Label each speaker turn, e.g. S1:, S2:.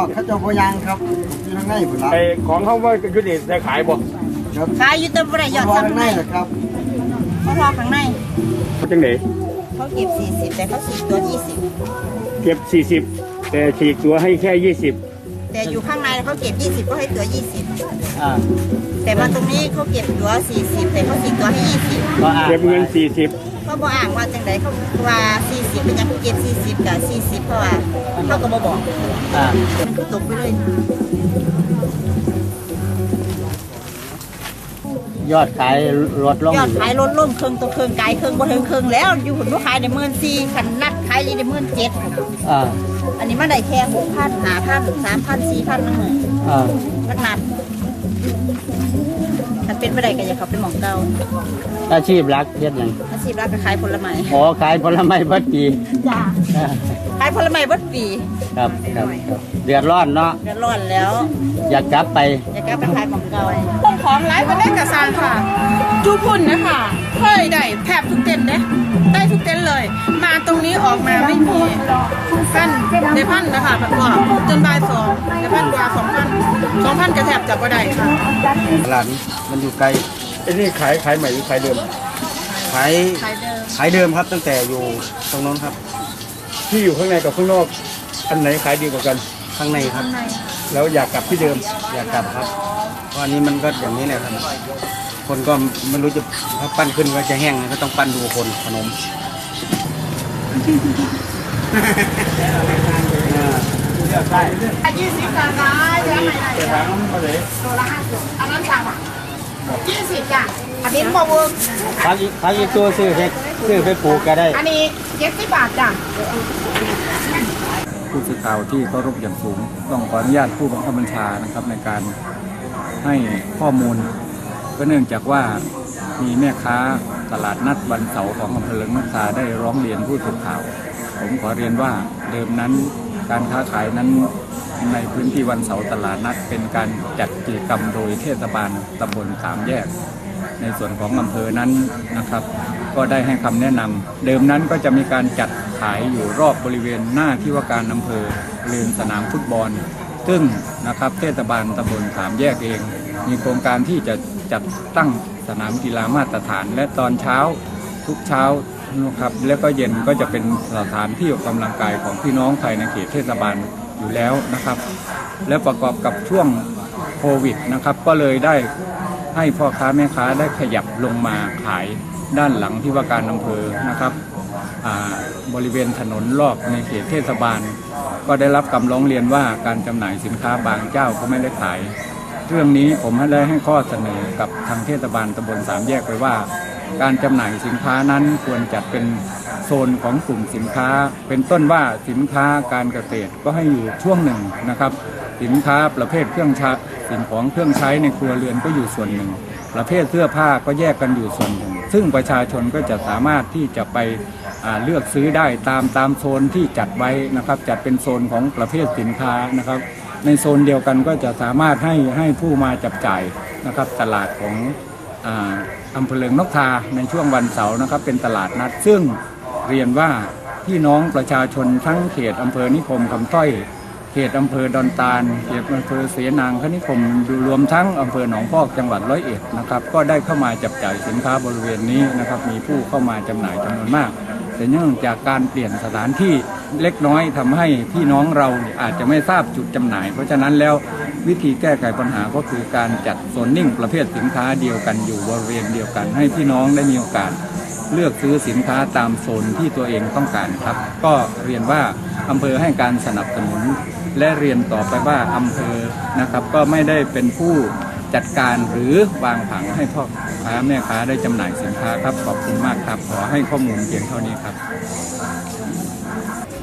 S1: อกเขาจะพยางครับอยู่ทางในผุนละ
S2: ไอของเขาว่ายุติได้ขายบ่
S1: ครับ
S3: ขายอยู่แต่บ่ได้ยอด
S1: พอ
S3: ซ้ำ
S1: ทางในเหรอครับ
S3: เขารอข้างใน
S2: จังไหน
S3: เขาเก็บ40แต่เขาฉีกตัว
S2: เก็บ40แต่ฉีกตัวให้แค่20
S3: แต่อยู่ข้างในเขาเก็บ20ก็ให้ตัว
S1: อ่า
S3: 20แต่มาตรงนี้เขาเก็บตัว40แต่เขาฉีกตัวให้20
S1: ก็อ่า
S2: เก็บเงิน
S3: เขาบอกอ่างว่าจังไดเขาว่า40เป็นยังเก็บ40กับ40เพราะว่าเขาก็บ่บอก
S1: อ่า
S3: มันก็ตกไปเลย
S1: ยอดขายลดลง
S3: ยอดขายลดลงครึ่งตัวครึ่งไกลครึ่งบ่ถึงครึ่งแล้วอยู่หุ่นว่าขายได้14,000คันนัดขายได้17,000
S1: อ่า
S3: อันนี้มาได้แค่6,000 5,000 3,000 4,000นั่นเอง
S1: อ่า
S3: นักนัดถ้าเป็นบ่ได้ก็อย่าเข้าไปหม่องเก่า
S1: อาชีพหลักเฮ็ดหยัง
S3: อาชีพรักก็ขายผลไม้
S1: อ๋อขายผลไม้เบิดปี
S3: จ้า
S1: อ่า
S3: ขายผลไม้เบิดปี
S1: ครับเดือดร้อนเนาะ
S3: เดือดร้อนแล้ว
S1: อยากกลับไป
S3: อย่ากลับไปขายหม่องเก่า
S4: พวกของไลฟ์มาได้กับซานค่ะจูพุ่นนะคะเคยได้แทบทุกเต็นท์เด้ได้ทุกเต็นท์เลย มาตรงนี้ออกมาไม่มีกันในพันนะคะแบบว่าจนบ่ายสองในพันกว่า2,000กระแทบจับก็ได้ค่ะ
S1: หลานมันอยู่ไกล
S2: ไอ้นี่ขายใหม่หรือขายเดิม
S1: ขาย
S3: ขายเดิม
S1: ขายเดิมครับตั้งแต่อยู่ตรงโน้นครับ
S2: ที่อยู่ข้างในกับข้างนอกอันไหนขายดีกว่ากัน
S1: ข้างในครับ
S2: แล้วอยากกลับที่เดิม
S1: อยากกลับครับเพราะอันนี้มันก็อย่างนี้แหละครับคนก็ไม่รู้จะถ้าปั้นขึ้นก็จะแห้งก็ต้องปั้นดูคนขนม
S4: 20จ้ะได้เดี๋ยวให้ได้
S2: แต่ถามมาเลย
S4: ตัวละ50อันนั้นสั่ง20จ้ะอันนี้บ่เวิร์ก
S1: พักอีกตัวซื้อไปปลูกก็ได้
S4: อันนี้70บาทจ้ะ
S5: ผู้สื่อข่าวที่เคารพอย่างสูงต้องขออนุญาตผู้บังคับบัญชานะครับในการให้ข้อมูลก็เนื่องจากว่ามีแม่ค้าตลาดนัดวันเสาร์ของอำเภอเลิงนกทาได้ร้องเรียนผู้สื่อข่าวผมขอเรียนว่าเดิมนั้นการค้าขายนั้นในพื้นที่วันเสาร์ตลาดนัดเป็นการจัดกิจกรรมโดยเทศบาลตำบลสามแยกในส่วนของอำเภอนั้นนะครับ ก็ได้ให้คำแนะนำเดิมนั้นก็จะมีการจัดขายอยู่รอบบริเวณหน้าที่ว่าการอำเภอเรือนสนามฟุตบอล ซึ่งนะครับเทศบาลตำบลสามแยกเอง มีโครงการที่จะจัดตั้งสนามกีฬามาตรฐาน และตอนเช้าทุกเช้านะครับแล้วก็เย็นก็จะเป็นสถานที่ออกกำลังกายของพี่น้องภายในเขตเทศบาลอยู่แล้วนะครับ และประกอบกับช่วงโควิดนะครับก็เลยได้ให้พ่อค้าแม่ค้าได้ขยับลงมาขายด้านหลังที่ว่าการอำเภอนะครับบริเวณถนนรอบในเขตเทศบาล ก็ได้รับคำร้องเรียนว่าการจำหน่ายสินค้าบางเจ้าก็ไม่ได้ขาย เรื่องนี้ผมได้ให้ข้อเสนอกับทางเทศบาลตำบลสามแยกไปว่า การจำหน่ายสินค้านั้นควรจัดเป็นโซนของกลุ่มสินค้า เป็นต้นว่าสินค้าการเกษตรก็ให้อยู่ช่วงหนึ่งนะครับ สินค้าประเภทเครื่องใช้สิ่งของเครื่องใช้ในครัวเรือนก็อยู่ส่วนหนึ่ง ประเภทเสื้อผ้าก็แยกกันอยู่ส่วนหนึ่ง ซึ่งประชาชนก็จะสามารถที่จะไปเลือกซื้อได้ตามโซนที่จัดไว้นะครับจัดเป็นโซนของประเภทสินค้านะครับในโซนเดียวกันก็จะสามารถให้ผู้มาจับจ่ายนะครับตลาดของอำเภอเลิงนกทาในช่วงวันเสาร์นะครับเป็นตลาดนัดซึ่งเรียนว่าพี่น้องประชาชนทั้งเขตอำเภอนิคมคำต้อยเขตอำเภอดอนตาลเขตอำเภอเสนางคณิคมรวมทั้งอำเภอหนองพอกจังหวัดร้อยเอ็ดนะครับก็ได้เข้ามาจับจ่ายสินค้าบริเวณนี้นะครับมีผู้เข้ามาจำหน่ายจำนวนมากแต่เนื่องจากการเปลี่ยนสถานที่เล็กน้อยทำให้พี่น้องเราอาจจะไม่ทราบจุดจำหน่ายเพราะฉะนั้นแล้ววิธีแก้ไขปัญหาก็คือการจัดโซนนิ่งประเภทสินค้าเดียวกันอยู่บริเวณเดียวกันให้พี่น้องได้มีโอกาสเลือกซื้อสินค้าตามโซนที่ตัวเองต้องการครับก็เรียนว่าอำเภอให้การสนับสนุนและเรียนต่อไปว่าอำเภอนะครับก็ไม่ได้เป็นผู้จัดการหรือวางผังให้พ่อค้าแม่ค้าได้จำหน่ายสินค้าครับขอบคุณมากครับขอให้ข้อมูลเพียงเท่านี้ครับ